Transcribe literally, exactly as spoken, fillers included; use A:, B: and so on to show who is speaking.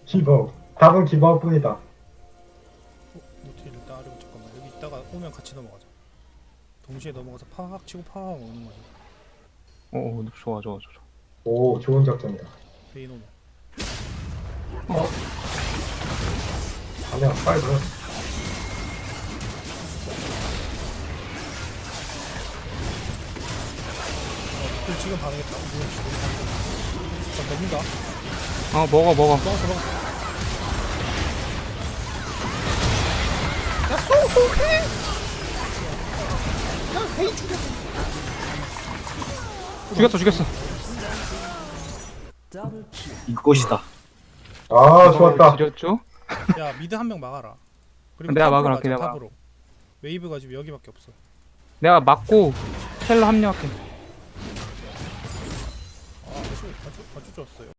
A: 기버. 답은 기버뿐이다.
B: 어? 노티를 따르고 잠깐만 여기 있다가 오면 같이 넘어가자. 동시에 넘어가서 팍 치고 팍 오는 거지.
C: 오, 좋아, 좋아, 좋아.
A: 오, 좋은 작전이다.
B: 베인 오면.
A: 어? 아니야, 빨리 들어.
B: 어, 노틸 지금 반응했다. 뭐야, 씨, 너무 반응했다. 자, 먹는다.
C: 어, 먹어, 먹어.
B: 먹었어, 먹었어.
C: 죽였어, 죽였어.
D: 이것이다.
A: 아, 좋았다.
C: 지렸죠?
B: 야, 미드 한 명 막아라. 그리고
C: 내가
B: 탑으로
C: 막으러
B: 가자,
C: 내가
B: 탑으로. 웨이브가 지금 여기밖에 없어.
C: 내가 맞고 텔로 합류할게.
B: 아, 아주, 아주, 아주 좋았어요.